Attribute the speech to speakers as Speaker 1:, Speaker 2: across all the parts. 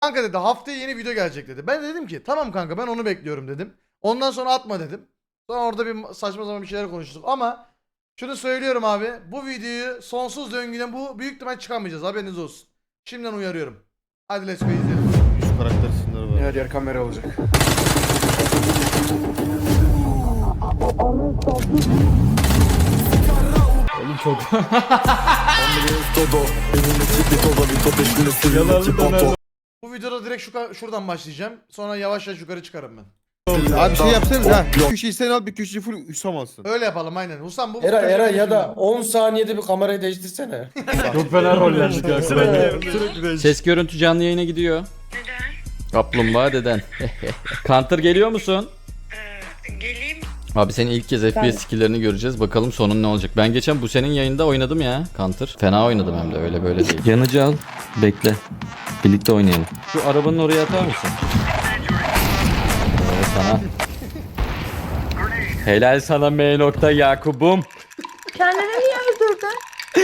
Speaker 1: Kanka dedi haftaya yeni video gelecek dedi. Ben de dedim ki tamam kanka ben onu bekliyorum dedim. Ondan sonra atma dedim. Sonra orada bir saçma sapan bir şeyler konuştuk ama şunu söylüyorum abi. Bu videoyu sonsuz döngüden bu büyük ihtimal çıkamayacağız, haberiniz olsun. Şimdiden uyarıyorum. Hadi let's go izleyelim.
Speaker 2: Şu karakter sınırı var.
Speaker 3: Her yer kamera olacak.
Speaker 4: Oğlum çok
Speaker 1: Bu videoda direkt şuradan başlayacağım. Sonra yavaş yavaş yukarı çıkarım ben.
Speaker 2: Abi şey yapsanız ha. Bir köşeyi sen al, bir köşeyi full Hüsam alsın.
Speaker 1: Öyle yapalım aynen. Husam bu
Speaker 3: Era ya da 10 saniyede bir kamerayı değiştirsene.
Speaker 4: çok fena rollendik ya.
Speaker 5: Ses görüntü canlı yayına gidiyor.
Speaker 6: Neden?
Speaker 5: Kaplumbağa deden. Counter geliyor musun?
Speaker 6: Geleyim.
Speaker 5: Abi senin ilk kez FPS skill'lerini göreceğiz. Bakalım sonun ne olacak. Ben geçen bu senin yayında oynadım ya Counter. Fena oynadım hem de öyle böyle değil. Yanıcı al. Bekle. Birlikte oynayalım. Şu arabanın oraya atar mısın? Evet sana. Helal sana M. Yakub'um.
Speaker 7: Kendini niye öldürdün?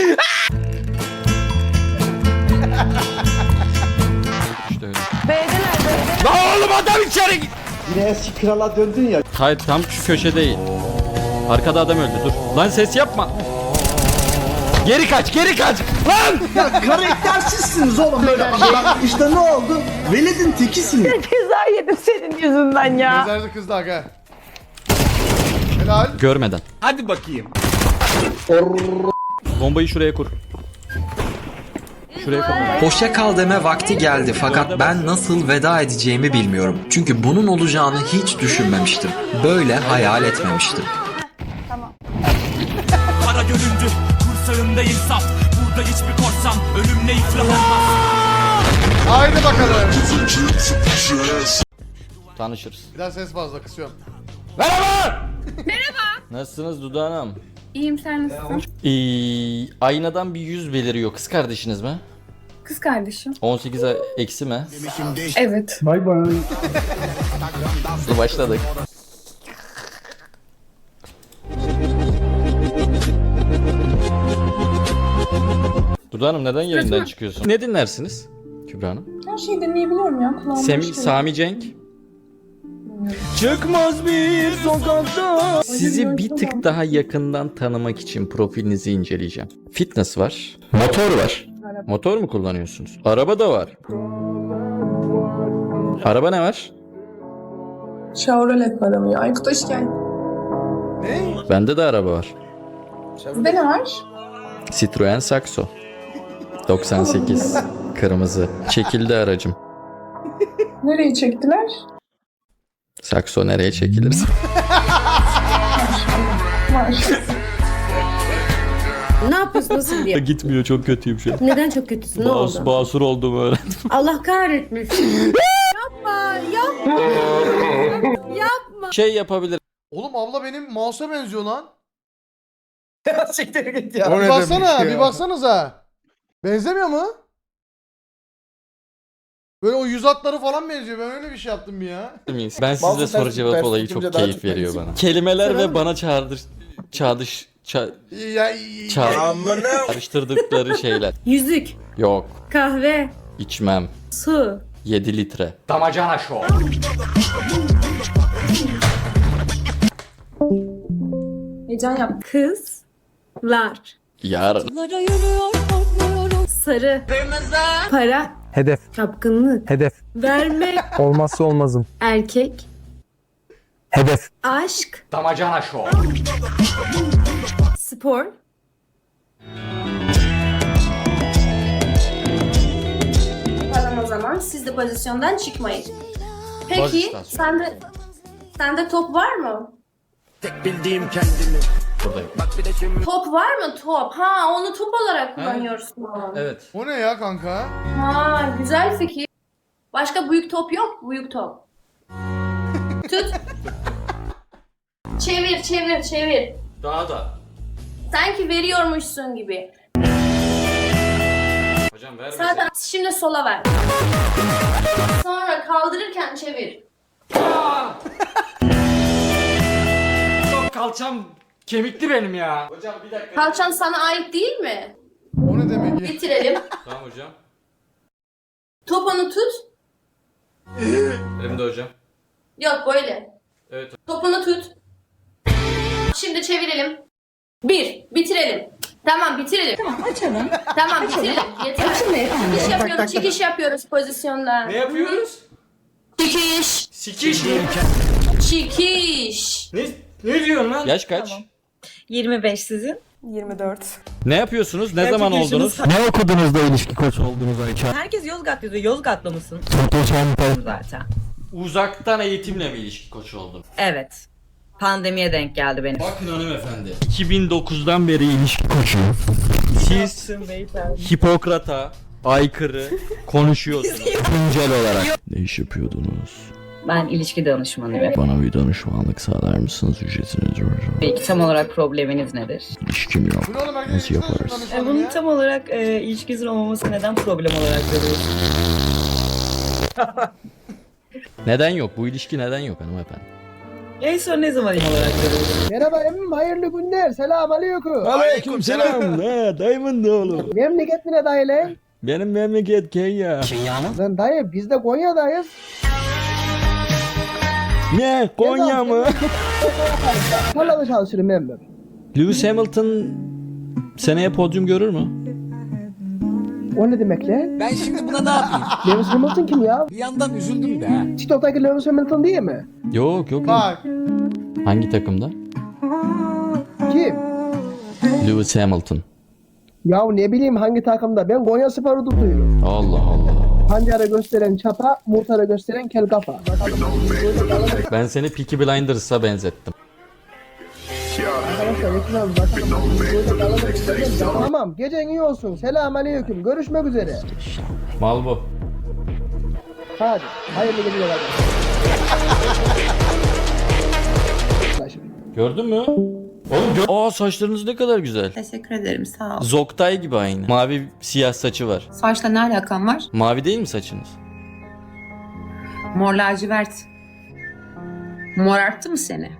Speaker 5: İşte öyle.
Speaker 7: B'deler B'de.
Speaker 5: Lan oğlum adam içeri git.
Speaker 8: Yine eski krala döndün ya.
Speaker 5: Hayır tam şu köşe değil. Arkada adam öldü dur. Lan ses yapma. Geri kaç geri kaç. Lan.
Speaker 8: Ya karaktersizsiniz oğlum böyle. Bak işte ne oldu? Veled'in tekisiniz.
Speaker 7: Ceza yedim senin yüzünden ya.
Speaker 1: Gözlerde kızdı aga. Helal.
Speaker 5: Görmeden.
Speaker 4: Hadi bakayım.
Speaker 5: Bombayı şuraya kur. Şuraya kur.
Speaker 9: Hoşça kal deme vakti geldi fakat ben nasıl veda edeceğimi bilmiyorum. Çünkü bunun olacağını hiç düşünmemiştim. Böyle hayal etmemiştim.
Speaker 10: Kara göründü, kursağında insaf. Burada hiçbir korsan ölümle iflah olmaz.
Speaker 1: Haydi bakalım.
Speaker 5: Tanışırız.
Speaker 1: Bir daha ses fazla kısıyorum.
Speaker 5: Merhaba. Nasılsınız Duda Hanım?
Speaker 7: İyiyim sen nasılsın?
Speaker 5: Aynadan bir yüz beliriyor. Kız kardeşiniz mi?
Speaker 7: Kız kardeşim.
Speaker 5: 18 eksi mi?
Speaker 7: Evet.
Speaker 8: Bay bay.
Speaker 5: Hızlı başladık. Duda Hanım neden yayından çıkıyorsun? Ne dinlersiniz Kübra Hanım?
Speaker 7: Her şeyi deneyebiliyorum ya kulağımda.
Speaker 5: Sami Cenk. Çıkmaz bir sokakta. Sizi bir tık daha yakından tanımak için profilinizi inceleyeceğim. Fitness var. Motor var. Motor mu kullanıyorsunuz? Araba da var. Araba ne var?
Speaker 7: Chevrolet var ama ya. Aykut hoş geldin.
Speaker 1: Ne?
Speaker 5: Bende de araba var.
Speaker 7: Sizde ne var?
Speaker 5: Citroen Saxo. 98. Kırmızı. Çekildi aracım.
Speaker 7: Nereye çektiler?
Speaker 5: Saxo nereye çekilir?
Speaker 11: Ne yapıyorsun, nasıl diye?
Speaker 5: Gitmiyor, çok kötüyüm şu an.
Speaker 11: Neden çok kötüsün, ne oldu?
Speaker 5: Basur oldum öğrendim.
Speaker 11: Allah kahretmesin.
Speaker 5: Şey yapabilir.
Speaker 1: Oğlum abla benim mouse'a benziyor lan.
Speaker 3: Siktir git ya.
Speaker 2: O
Speaker 1: Bir
Speaker 2: ne
Speaker 1: baksana,
Speaker 2: demek ya?
Speaker 1: bir baksanıza. Benzemiyor mu? Böyle o yüz hatları falan benziyor. Ben öyle bir şey yaptım ya.
Speaker 5: miyiz? Ben
Speaker 3: Bazı
Speaker 5: sizle soru cevap
Speaker 3: ters
Speaker 5: olayı
Speaker 3: tutunca
Speaker 5: çok
Speaker 3: daha
Speaker 5: keyif
Speaker 3: çok
Speaker 5: veriyor
Speaker 3: benziyor.
Speaker 5: bana. Kelimeler
Speaker 3: Sıra
Speaker 5: ve
Speaker 3: mı?
Speaker 5: bana çağrıştırdıkları şeyler.
Speaker 11: Yüzük,
Speaker 5: Yok,
Speaker 11: kahve,
Speaker 5: içmem.
Speaker 11: su.
Speaker 5: 7 litre.
Speaker 4: Damacana şov.
Speaker 7: Heyecan yap.
Speaker 11: Kızlar.
Speaker 5: Yarın.
Speaker 7: Sarı. Kırmızı. Para.
Speaker 8: Hedef.
Speaker 7: Çapkınlık.
Speaker 8: Hedef.
Speaker 7: Verme.
Speaker 8: Olmazsa olmazım.
Speaker 7: Erkek.
Speaker 8: Hedef.
Speaker 7: Aşk.
Speaker 4: Damacana şov.
Speaker 7: Spor. Tamam o zaman siz de pozisyondan çıkmayın.
Speaker 5: Baz
Speaker 7: Peki
Speaker 5: istasyon.
Speaker 7: sende top var mı?
Speaker 10: Tek bildiğim kendimi.
Speaker 5: Buradayım.
Speaker 7: Top var mı top? Ha onu top olarak kullanıyorsun.
Speaker 5: Evet.
Speaker 1: O ne ya kanka?
Speaker 7: Ha güzel fikir. Başka büyük top yok. Büyük top. Tut. Çevir çevir çevir.
Speaker 5: Daha da.
Speaker 7: Sanki veriyormuşsun gibi.
Speaker 5: Hocam ver
Speaker 7: Zaten şimdi sola ver. Sonra kaldırırken çevir.
Speaker 4: Kalçam kemikli benim ya.
Speaker 5: Hocam bir dakika.
Speaker 7: Kalçan sana ait değil mi?
Speaker 1: O ne demek ya?
Speaker 7: Bitirelim.
Speaker 5: Tamam hocam.
Speaker 7: Topunu tut.
Speaker 5: Elimde hocam.
Speaker 7: Yok böyle.
Speaker 5: Evet.
Speaker 7: Topunu tut. Şimdi çevirelim. Bitirelim. Tamam bitirelim. Tamam açalım. Tamam bitirelim. Yeter. Çekiş yapıyoruz. Çekiş yapıyoruz pozisyonda.
Speaker 4: Ne yapıyoruz?
Speaker 7: Çekiş.
Speaker 4: Sikiş mi?
Speaker 7: Çekiş.
Speaker 4: Ne diyorsun lan?
Speaker 5: Yaş kaç?
Speaker 11: 25 sizin.
Speaker 12: 24.
Speaker 5: Ne yapıyorsunuz? Ne zaman oldunuz?
Speaker 2: Ne okudunuz da ilişki koçu oldunuz Ayça?
Speaker 12: Herkes Yozgat yazıyor. Yozgatlı mısın? Zaten.
Speaker 5: Uzaktan eğitimle mi ilişki koçu oldun?
Speaker 12: Evet. Pandemiye denk geldi benim.
Speaker 5: Bakın hanımefendi. 2009'dan beri ilişki koçu. Siz Hipokrat'a aykırı konuşuyorsunuz. Güncel olarak. Ne iş yapıyordunuz?
Speaker 12: Ben ilişki danışmanıyım.
Speaker 5: Bana bir danışmanlık sağlar mısınız? Ücretiniz var.
Speaker 12: Peki tam olarak probleminiz nedir?
Speaker 5: İlişkim yok.
Speaker 1: Bu ne oğlum, herkes
Speaker 5: Nasıl
Speaker 1: ilişkiden
Speaker 5: yaparız?
Speaker 1: danışalım
Speaker 12: Bunun
Speaker 1: ya.
Speaker 12: tam olarak ilişkinizin olmaması neden problem olarak görüyorsun?
Speaker 5: Neden yok? Bu ilişki neden yok hanımefendi?
Speaker 12: En son ne zaman olarak görüyorsun?
Speaker 8: Merhaba emmim hayırlı günler. Selam aleyküm.
Speaker 2: Aleyküm selam. Dayımın da oğlum.
Speaker 8: Memleket ne dayı lan?
Speaker 2: Benim memleket Kenya.
Speaker 8: Lan dayı biz de Konya'dayız.
Speaker 2: Ne? Konya mı?
Speaker 8: Tarlada çalışırım emmim.
Speaker 5: Lewis Hamilton seneye podyum görür mü?
Speaker 8: O ne demek lan?
Speaker 9: Ben şimdi buna ne yapayım?
Speaker 8: Lewis Hamilton kim ya?
Speaker 9: Bir yandan üzüldüm de.
Speaker 8: TikTok'taki Lewis Hamilton değil mi?
Speaker 5: Yok.
Speaker 1: Bak.
Speaker 5: Hangi takımda?
Speaker 8: Kim?
Speaker 5: Lewis Hamilton.
Speaker 8: Ya ne bileyim hangi takımda? Ben Konya Spor'u tutuyorum.
Speaker 5: Allah Allah.
Speaker 8: Pancara gösteren çapa, murtara gösteren kel kafa.
Speaker 5: Ben seni Peaky Blinders'a benzettim.
Speaker 8: Arkadaşlar ekran bakalım. Tamam gecen iyi olsun. Selam aleyküm. Görüşmek üzere.
Speaker 5: Mal bu.
Speaker 8: Hadi. Hayırlı geceler.
Speaker 5: Gördün mü? Oğlum aa saçlarınız ne kadar güzel.
Speaker 12: Teşekkür ederim sağ ol.
Speaker 5: Zoktay gibi aynı. Mavi siyah saçı var.
Speaker 12: Saçla ne alakan var?
Speaker 5: Mavi değil mi saçınız?
Speaker 12: Mor lacivert. Morarttı mı seni?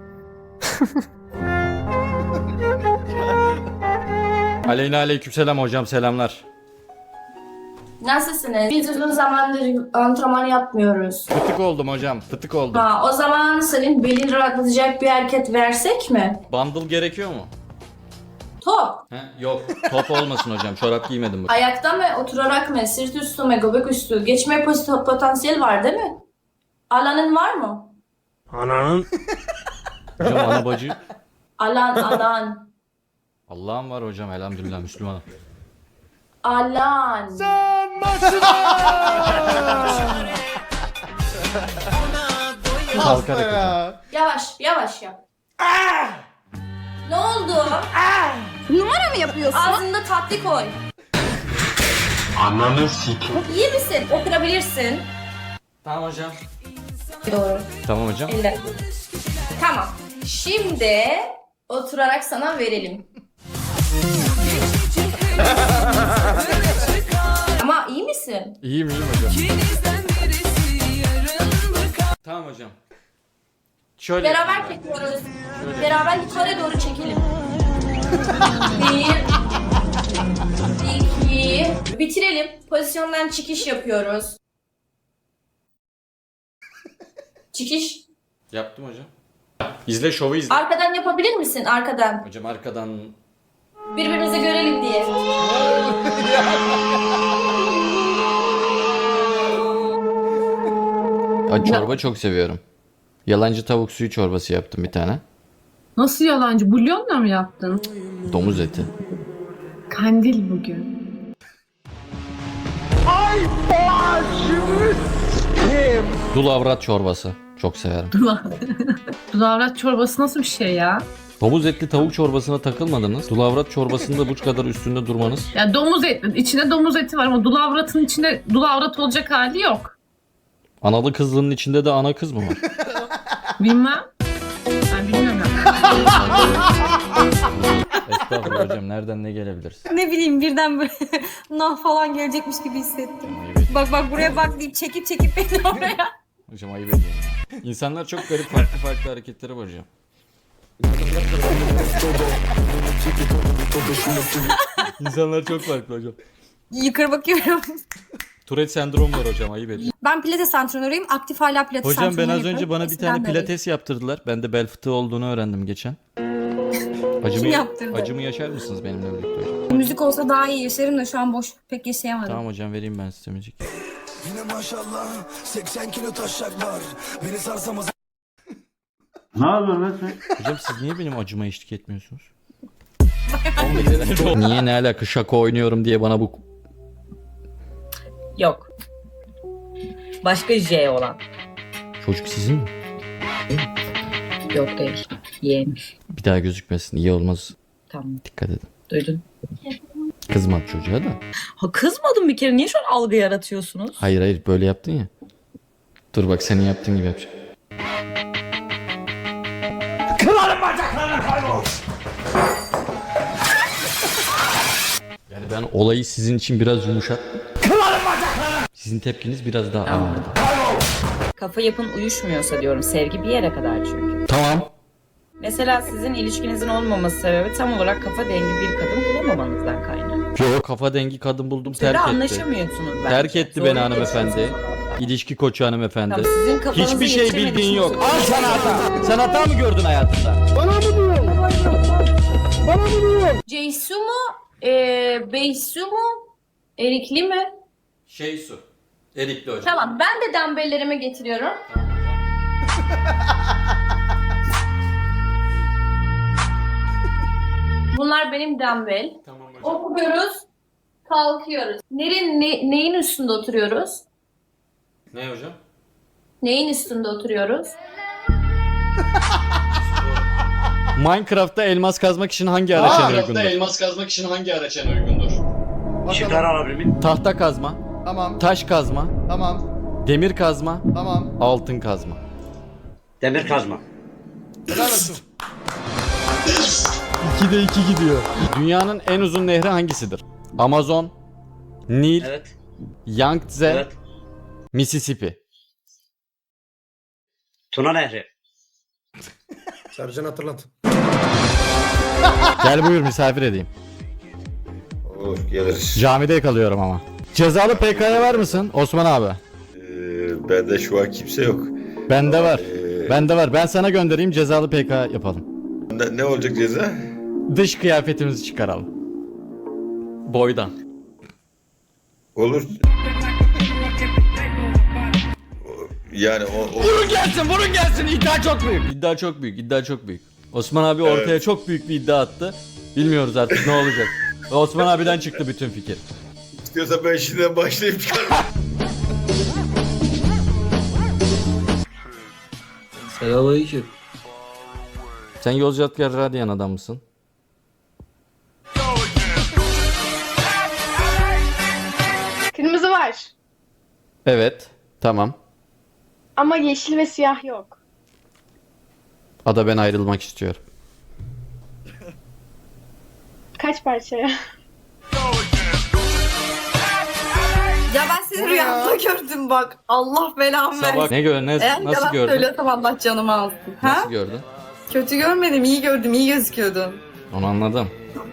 Speaker 5: Aleyna aleykümselam hocam selamlar.
Speaker 7: Nasılsınız? Biz uzun zamandır antrenman yapmıyoruz.
Speaker 5: Fıtık oldum hocam fıtık oldum.
Speaker 7: O zaman senin belini rahatlatacak bir hareket versek mi?
Speaker 5: Bundle gerekiyor mu?
Speaker 7: Top.
Speaker 5: He? Yok top olmasın hocam çorap giymedim bugün.
Speaker 7: Ayakta mı, oturarak mı, sırt üstü mü, göbek üstü? Geçme potansiyel var değil mi? Alanın var mı?
Speaker 5: Hocam ana bacı.
Speaker 7: Alan.
Speaker 5: Allah'ım var hocam elhamdülillah Müslümanım.
Speaker 7: Alan.
Speaker 5: Kalkarak hocam.
Speaker 1: Ya.
Speaker 7: Yavaş yap. Ne oldu?
Speaker 11: Numara mı yapıyorsun?
Speaker 7: Ağzında tatlı koy. Ananı sikim. İyi misin? Oturabilirsin.
Speaker 5: Tamam hocam.
Speaker 7: Doğru.
Speaker 5: Tamam hocam.
Speaker 7: Elle. Tamam. Şimdi oturarak sana verelim. Ama iyi misin?
Speaker 5: İyiyim hocam. Tamam hocam. Şöyle.
Speaker 7: Beraber çekiyoruz. Beraber yukarı doğru çekelim. 1 2 bitirelim. Pozisyondan çıkış yapıyoruz. Çıkış.
Speaker 5: Yaptım hocam. İzle şovu izle.
Speaker 7: Arkadan yapabilir misin? Arkadan.
Speaker 5: Hocam arkadan.
Speaker 7: Birbirimizi görelim diye.
Speaker 5: Çorba çok seviyorum. Yalancı tavuk suyu çorbası yaptım bir tane.
Speaker 11: Nasıl yalancı? Bulyonla mı yaptın?
Speaker 5: Domuz eti.
Speaker 11: Kandil bugün.
Speaker 5: Dul avrat çorbası. Çok severim.
Speaker 11: Dulavrat çorbası nasıl bir şey ya?
Speaker 5: Domuz etli tavuk çorbasına takılmadınız. Dul avrat çorbasında bu kadar üstünde durmanız.
Speaker 11: Ya domuz eti, içinde domuz eti var ama dulavratın içinde dulavrat olacak hali yok.
Speaker 5: Analı kızlının içinde de ana kız mı var?
Speaker 11: Bilmem. Ben bilmiyorum.
Speaker 5: Estağfurullah hocam nereden ne gelebilirsin?
Speaker 12: Ne bileyim birden böyle nah falan gelecekmiş gibi hissettim. Bak buraya bak deyip çekip beni oraya.
Speaker 5: Hocam ayıp ediyorum. İnsanlar çok garip farklı hareketleri var hocam. İnsanlar çok farklı hocam.
Speaker 12: Yukarı bakıyorum.
Speaker 5: Tourette sendromu var hocam, ayıp ediyorsun.
Speaker 12: Ben pilates antrenörüyüm. Aktif hala pilates
Speaker 5: Hocam ben
Speaker 12: antrenörü
Speaker 5: az önce
Speaker 12: yapıyorum.
Speaker 5: bana bir
Speaker 12: Eskiden
Speaker 5: tane
Speaker 12: de öyleydim.
Speaker 5: pilates yaptırdılar. Ben de bel fıtığı olduğunu öğrendim geçen.
Speaker 12: Kim yaptırdı?
Speaker 5: Acımı yaşar mısınız benimle birlikte hocam?
Speaker 12: Müzik olsa daha iyi yaşarım da şu an boş pek yaşayamadım.
Speaker 5: Tamam hocam, vereyim ben size müzik.
Speaker 10: Yine maşallah 80 kilo taşak var. Beni sarsamaz.
Speaker 8: Ne yapıyorsun lan sen?
Speaker 5: Hocam siz niye benim acıma eşlik etmiyorsunuz? Niye, ne alaka, şaka oynuyorum diye bana bu...
Speaker 12: Yok. Başka J olan.
Speaker 5: Çocuk sizin mi?
Speaker 12: Yok değil. Yeğenmiş.
Speaker 5: Bir daha gözükmesin, iyi olmaz.
Speaker 12: Tamam.
Speaker 5: Dikkat edin.
Speaker 12: Duydun.
Speaker 5: Kızmadı çocuğa da.
Speaker 12: Ha kızmadım bir kere. Niye şu an algı yaratıyorsunuz?
Speaker 5: Hayır böyle yaptın ya. Dur bak, senin yaptığın gibi yapacağım. Yani ben olayı sizin için biraz yumuşattım. Sizin tepkiniz biraz daha ağırdı.
Speaker 12: Kafa yapın uyuşmuyorsa diyorum. Sevgi bir yere kadar çünkü.
Speaker 5: Tamam.
Speaker 12: Mesela sizin ilişkinizin olmaması sebebi tam olarak kafa dengi bir kadın bulamamanızdan kaynaklı.
Speaker 5: Yok, kafa dengi kadın buldum,
Speaker 12: Siz
Speaker 5: terk
Speaker 12: de
Speaker 5: etti.
Speaker 12: anlaşamıyorsunuz bence.
Speaker 5: Terk etti
Speaker 12: Zorla
Speaker 5: beni hanımefendi.
Speaker 12: geçiyorsunuz ondan.
Speaker 5: İlişki koçu hanımefendi.
Speaker 12: Tamam, sizin kafanızı
Speaker 5: Hiçbir şey
Speaker 12: yetiştirmediği
Speaker 5: bildiğin
Speaker 12: için
Speaker 5: yok.
Speaker 12: söylüyorum.
Speaker 5: Al sana hata. Sen hata mı gördün hayatında?
Speaker 7: Ceysu mu? Beysu mu? Erikli mi?
Speaker 5: Su. Erikli hocam.
Speaker 7: Tamam, ben de dumbbelllerimi getiriyorum. Bunlar benim dumbbell.
Speaker 5: Tamam hocam.
Speaker 7: Okuyoruz, kalkıyoruz. Neyin üstünde oturuyoruz?
Speaker 5: Ne hocam?
Speaker 7: Neyin üstünde oturuyoruz?
Speaker 5: Minecraft'ta elmas kazmak için hangi araç en uygundur?
Speaker 1: elmas kazmak için hangi araç en uygundur?
Speaker 8: Şıklar
Speaker 1: Bakalım.
Speaker 8: alabilir miyim?
Speaker 5: Tahta kazma,
Speaker 1: Tamam,
Speaker 5: taş kazma,
Speaker 1: tamam,
Speaker 5: demir kazma,
Speaker 1: tamam.
Speaker 5: altın kazma.
Speaker 8: Demir kazma.
Speaker 1: Helal olsun.
Speaker 5: 2'de 2 gidiyor. Dünyanın en uzun nehri hangisidir? Amazon, Nil,
Speaker 8: Evet.
Speaker 5: Yangtze,
Speaker 8: Evet.
Speaker 5: Mississippi.
Speaker 8: Tuna Nehri.
Speaker 3: Sercan hatırlat.
Speaker 5: Gel buyur, misafir edeyim.
Speaker 3: Olur geliriz.
Speaker 5: Camide kalıyorum ama. Cezalı PK'ya var mısın Osman abi?
Speaker 3: Bende şu an kimse yok.
Speaker 5: Bende var. Bende var. Ben sana göndereyim, cezalı PK yapalım.
Speaker 3: Ne olacak ceza?
Speaker 5: Dış kıyafetimizi çıkaralım. Boydan.
Speaker 3: Olur. Yani
Speaker 5: Vurun gelsin, vurun gelsin. İddia çok büyük. İddia çok büyük, iddia çok büyük. Osman abi ortaya çok büyük bir iddia attı. Bilmiyoruz artık ne olacak. Ve Osman abiden çıktı bütün fikir.
Speaker 3: istiyorsan ben şimdiden başlayayım çıkarım.
Speaker 4: Selamünaleyküm.
Speaker 5: Sen Yozgatgar Radyan adam mısın?
Speaker 7: Kırmızı var.
Speaker 5: Evet. Tamam.
Speaker 7: Ama yeşil ve siyah yok.
Speaker 5: Ada, ben ayrılmak istiyorum.
Speaker 7: Kaç parçaya?
Speaker 12: Ya ben seni rüyamda gördüm bak. Allah belamı versin.
Speaker 5: Sabah nasıl gördün?
Speaker 12: söylüyorsam Allah canımı alsın.
Speaker 5: Nasıl gördün?
Speaker 12: Kötü görmedim, iyi gördüm, iyi gözüküyordun.
Speaker 5: Onu anladım.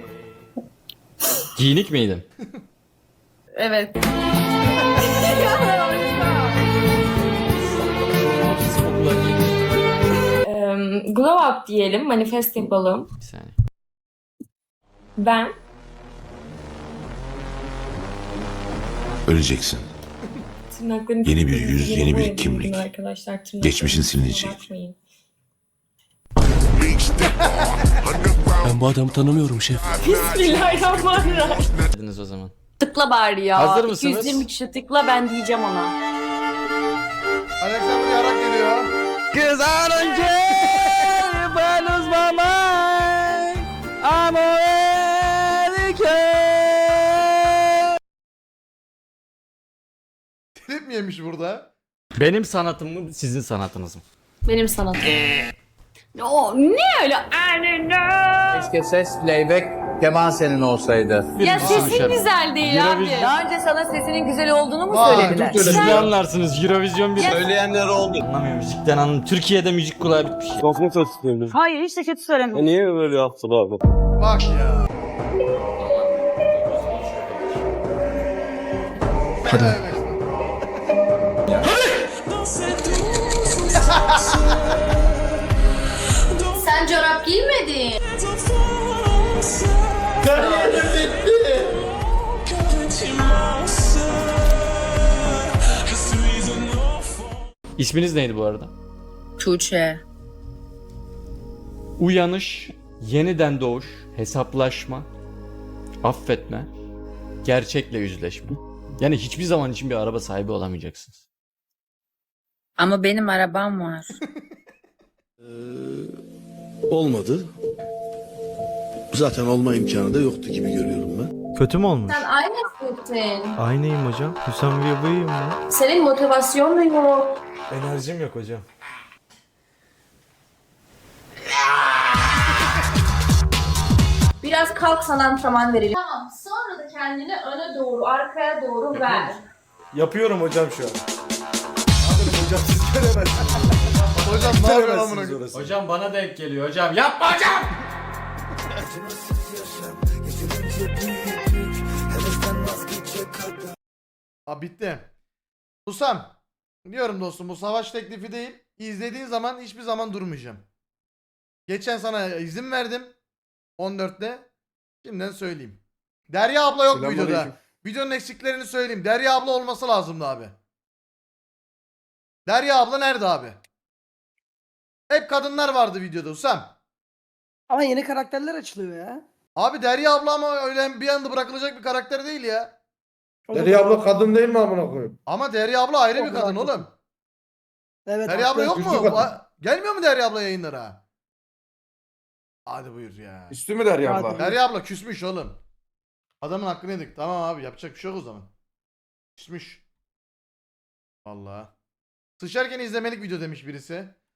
Speaker 5: Giyinik miydin?
Speaker 12: Evet.
Speaker 7: Glow up diyelim, manifest yapalım.
Speaker 5: Bir saniye.
Speaker 7: Ben
Speaker 10: Öleceksin.
Speaker 7: yeni
Speaker 10: bir yüz, yeni bir kimlik.
Speaker 7: Arkadaşlar,
Speaker 10: Geçmişin silinecek.
Speaker 7: bakmayın.
Speaker 10: Ben bu adamı tanımıyorum şef.
Speaker 7: Bismillahirrahmanirrahim.
Speaker 5: Dediniz o zaman.
Speaker 7: Tıkla bari ya.
Speaker 5: Hazır mısınız?
Speaker 7: 220 kişi tıkla, ben diyeceğim ona.
Speaker 1: Alexander yarak geliyor.
Speaker 5: Cause I don't care if I lose my mind. I'm already care.
Speaker 1: Trip mi yemiş burada?
Speaker 5: Benim sanatım mı, sizin sanatınız mı?
Speaker 7: Benim sanatım. O ne öyle?
Speaker 8: Keşke ses playback keman senin olsaydı.
Speaker 7: Ya sesin güzel değil abi.
Speaker 12: Daha önce sana sesinin güzel olduğunu mu
Speaker 1: Vay,
Speaker 12: söylediler?
Speaker 1: çok
Speaker 5: Siz
Speaker 1: öyle.
Speaker 5: ne anlarsınız? Eurovision bir...
Speaker 8: Söyleyenler oldu.
Speaker 5: Anlamıyorum müzikten anlamıyorum. Türkiye'de müzik kulağı bitmiş.
Speaker 12: Hayır hiç de kötü söylemedim.
Speaker 8: Niye böyle yaptın abi?
Speaker 1: Bak ya.
Speaker 3: Hadi.
Speaker 1: Ne demek?
Speaker 5: İsminiz neydi bu arada?
Speaker 12: Tuğçe.
Speaker 5: Uyanış, yeniden doğuş, hesaplaşma, affetme, gerçekle yüzleşme. Yani hiçbir zaman için bir araba sahibi olamayacaksınız.
Speaker 12: Ama benim arabam var.
Speaker 8: Olmadı. Zaten olma imkanı da yoktu gibi görüyorum ben.
Speaker 2: Kötü mü olmuş?
Speaker 7: Sen aynısın.
Speaker 2: Aynıyım hocam. Hüsam Bey'im ben.
Speaker 7: Senin motivasyon da yok.
Speaker 2: Enerjim yok hocam.
Speaker 7: Biraz kalk sana antrenman verelim. Tamam, sonra da kendini öne doğru, arkaya doğru ver.
Speaker 2: Yapıyorum hocam şu an. Hocam siz göremezsiniz.
Speaker 1: Hocam ne yapıyorsun amına koyayım?
Speaker 2: orası.
Speaker 5: Hocam bana denk geliyor hocam. Yapma hocam!
Speaker 1: Abi bitti. Usam. Diyorum dostum bu savaş teklifi değil. İzlediğin zaman hiçbir zaman durmayacağım. Geçen sana izin verdim. 14'te. Şimdiden söyleyeyim. Derya abla yok videoda.
Speaker 2: Selamünaleyküm.
Speaker 1: Videonun eksiklerini söyleyeyim. Derya abla olması lazımdı abi. Derya abla nerede abi? Hep kadınlar vardı videoda Usam.
Speaker 8: Ama yeni karakterler açılıyor ya.
Speaker 1: Abi Derya abla ama öyle bir anda bırakılacak bir karakter değil ya.
Speaker 2: Derya abla kadın değil mi amına koyayım?
Speaker 1: Ama Derya abla ayrı bir kadın oğlum.
Speaker 8: Evet.
Speaker 1: Derya abla yok mu?
Speaker 2: Güçlü kadın.
Speaker 1: Gelmiyor mu Derya abla yayınlara? Hadi buyur ya.
Speaker 2: Üstü mü Derya
Speaker 8: abla?
Speaker 1: Derya abla küsmüş oğlum. Adamın hakkını yedik. Tamam abi yapacak bir şey yok o zaman. Küsmüş. Vallahi. Sıçarken izlemelik video demiş birisi.